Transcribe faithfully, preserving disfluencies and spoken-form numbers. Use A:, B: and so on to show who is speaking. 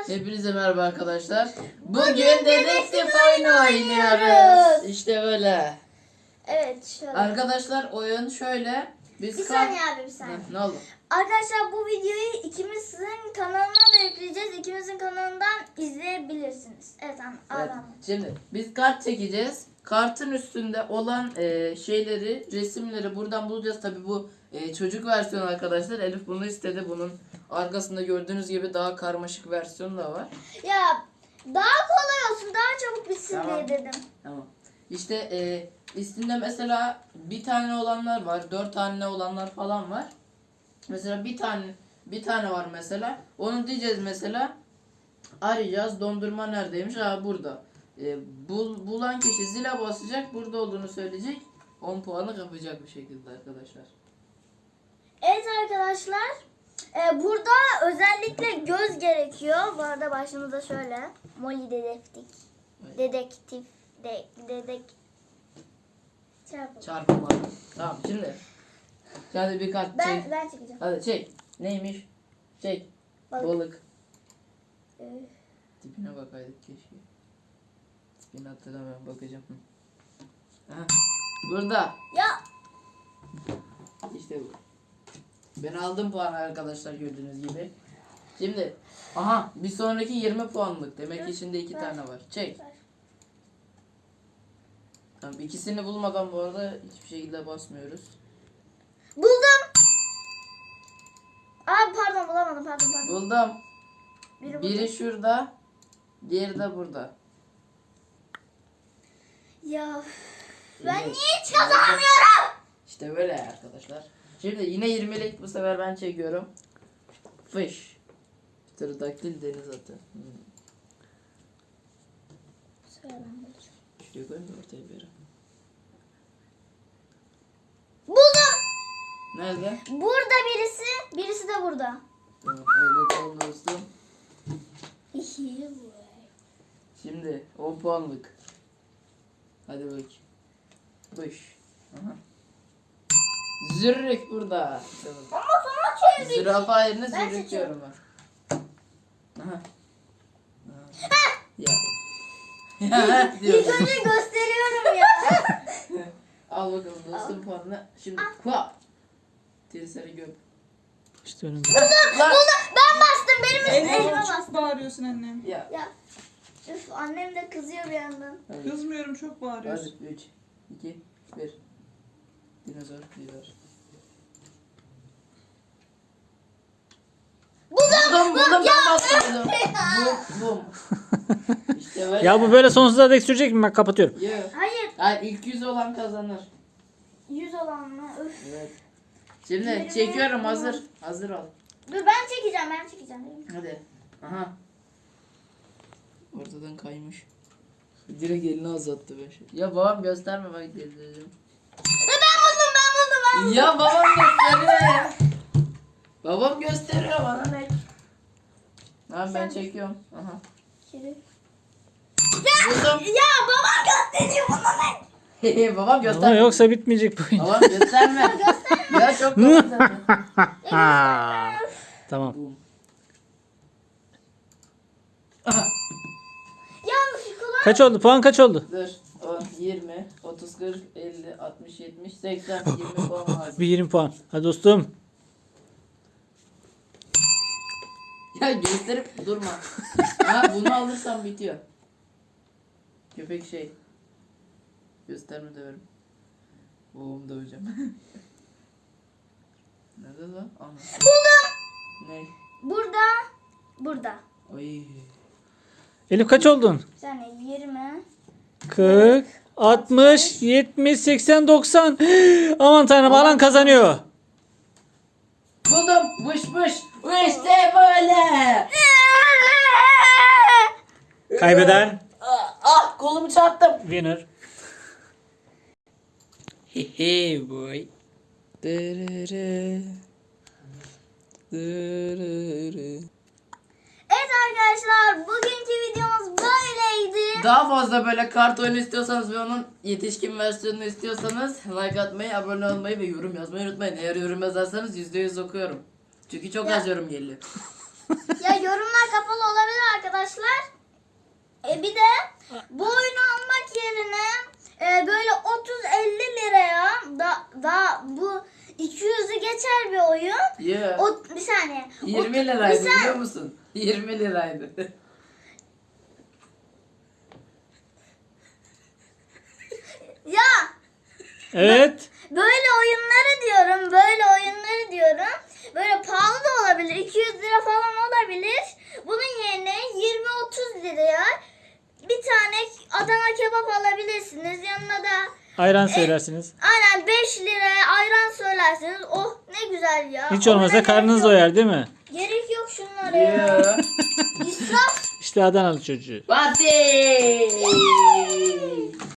A: Hepinize merhaba arkadaşlar. Bugün dedektif oyunu oynuyoruz. İşte böyle.
B: Evet şöyle.
A: Arkadaşlar oyun şöyle. Biz
B: Bir
A: kar-
B: saniye abi bir saniye.
A: Ne, ne oldu?
B: Arkadaşlar bu videoyu ikimizin kanalına da yükleyeceğiz. İkimizin kanalından izleyebilirsiniz. Evet an
A: Evet.
B: adam.
A: Şimdi biz kart çekeceğiz. Kartın üstünde olan e, şeyleri, resimleri buradan bulacağız. Tabi bu e, çocuk versiyonu arkadaşlar. Elif bunu istedi. Bunun arkasında gördüğünüz gibi daha karmaşık versiyonu da var.
B: Ya daha kolay olsun, daha çabuk bitsin
A: Tamam.
B: diye dedim.
A: Tamam. İşte e, üstünde mesela bir tane olanlar var, dört tane olanlar falan var. Mesela bir tane bir tane var mesela. Onu diyeceğiz mesela. Arayacağız. Dondurma neredeymiş? Ha burada. E, bul, bulan kişi zile basacak. Burada olduğunu söyleyecek. on puanı kapacak bir şekilde arkadaşlar.
B: Evet arkadaşlar. e, burada özellikle göz gerekiyor. Bu arada başımızda şöyle. Molly dedektif.
A: Evet.
B: Dedektif. De, dedek. Çarpı.
A: Çarpma. Tamam şimdi. Hadi bir kart çek.
B: Ben, ben çekeceğim.
A: Hadi çek. Neymiş? Çek.
B: Balık.
A: Balık.
B: Ee,
A: Tipine bakaydık keşke. Tipini hatırlamıyorum, bakacağım. Hı. Aha, burada.
B: Ya
A: İşte bu. Ben aldım puanı arkadaşlar gördüğünüz gibi. Şimdi aha bir sonraki yirmi puanlık. Demek ki içinde iki
B: Ver.
A: tane var. Çek.
B: Ver.
A: Tamam, ikisini bulmadan bu arada hiçbir şekilde basmıyoruz.
B: buldum. Abi pardon bulamadım pardon pardon.
A: Buldum.
B: Biri,
A: Biri
B: burada.
A: şurada. Diğeri de burada.
B: Ya ben
A: Evet.
B: niye hiç kazanamıyorum?
A: İşte böyle arkadaşlar. Şimdi yine yirmilik bu sefer ben çekiyorum. Fış. Pterodaktil deniz atı. Hmm.
B: Söyle ben bulacağım.
A: Şuraya koyayım da ortaya bir yere.
B: Buldum.
A: Nerede?
B: Burada birisi, birisi de burada.
A: Tamam, hadi bakalım dostum. Şimdi on puanlık. Hadi bak. Fış. Aha. Zürrük burada. Tamam.
B: Ama sana çevirdik.
A: Zürafa yerine
B: Ben
A: zürrük
B: seçiyorum.
A: diyorum ben. Aha. Aha. Ya. Ya
B: İlk
A: diyorum.
B: önce gösteriyorum ya.
A: Al bakalım dostum puanını. Şimdi kuap. Tiriseri göp.
C: İşte önümde.
A: Lan.
B: Ben bastım, benim üstüme elime
D: Elif çok
B: bastım.
D: bağırıyorsun annem.
A: Ya.
B: Ya üf, annem de kızıyor bir yandan.
A: Hadi.
D: Kızmıyorum, çok bağırıyorsun.
A: Hadi üç, iki, bir. Dinozor, dinozor. Buldum, buldum, ben bastım. Bum, bum. İşte böyle.
C: Ya bu böyle sonsuza dek sürecek mi? Ben kapatıyorum.
A: Yo.
B: Hayır,
A: Hayır, ilk yüz olan kazanır.
B: yüz olan mı? Üf.
A: Evet. Şimdi
B: Yirmi.
A: çekiyorum, hazır. Hazır ol.
B: Dur ben çekeceğim, ben çekeceğim.
A: Hadi. Aha. Ortadan kaymış. Direkt elini uzattı ben şey. Ya babam gösterme bak dedim.
B: Ben buldum, ben buldum, ben buldum.
A: Ya babam gösteriyor ya. Babam gösteriyor bana ne? Tamam ben
B: Sen-
A: çekiyorum. Aha.
B: Kiri.
A: Buldum.
B: Ya babam gösteriyor bana ne?
A: babam
C: Ama
A: gösterme.
C: yoksa bitmeyecek bu oyun.
A: Babam gösterme. ya çok komik zaten.
C: Ha. Tamam.
A: Bum. Aha.
B: Ya şu kulağım.
C: Kaç oldu? Puan kaç oldu?
A: Dur. on, yirmi, otuz, kırk, elli, altmış, yetmiş, seksen, yirmi puan lazım.
C: Bir yirmi puan. Hadi dostum.
A: Ya gösterip durma. Ha bunu alırsam bitiyor. Köpek şey. Gösterme döverim. Babamı döveceğim. Nerede lan? Ana.
B: Buldum.
A: Ne?
B: Burada. Burada.
A: Ay.
C: Elif kaç oldun?
B: Bir saniye yirmi.
C: kırk, altmış, yetmiş, seksen, doksan. Aman tanrım alan kazanıyor.
A: Buldum. Vış vış. İşte böyle.
C: Kaybeden
A: Ah, ah kolumu çarptım.
C: winner. Hehe boy.
A: Dırırı. Dırırı.
B: Evet arkadaşlar, bugünkü videomuz böyleydi.
A: Daha fazla böyle kart oyunu istiyorsanız ve onun yetişkin versiyonunu istiyorsanız like atmayı, abone olmayı ve yorum yazmayı unutmayın. Eğer yorum yazarsanız yüzde yüz okuyorum. Çünkü çok
B: Ya.
A: az yorum geliyor.
B: Ya yorumlar kapalı olabilir arkadaşlar. E bir de bu oyunu almak yerine e, böyle otuz elli liraya da, da bu iki yüzü geçer bir oyun.
A: Yeah.
B: O, bir saniye.
A: yirmi
B: Ot-
A: liraydı
B: bir san-
A: biliyor musun? yirmi liraydı.
B: Ya
C: Evet.
B: böyle oyunları diyorum, böyle oyunları diyorum. Böyle pahalı da olabilir, iki yüz lira falan olabilir. Bunun yerine yirmi otuz liraya bir tane Adana kebap alabilirsiniz. Yanına da
C: Ayran söylersiniz.
B: aynen beş liraya ayran söylersiniz. Oh ne güzel ya.
C: Hiç
B: Ona
C: olmazsa
B: gerek
C: karnınız
B: yok.
C: doyar değil mi?
B: Gerek yok şunlara ya.
A: Yeah.
B: İsraf.
C: İşte Adanalı çocuğu.
A: Fatih!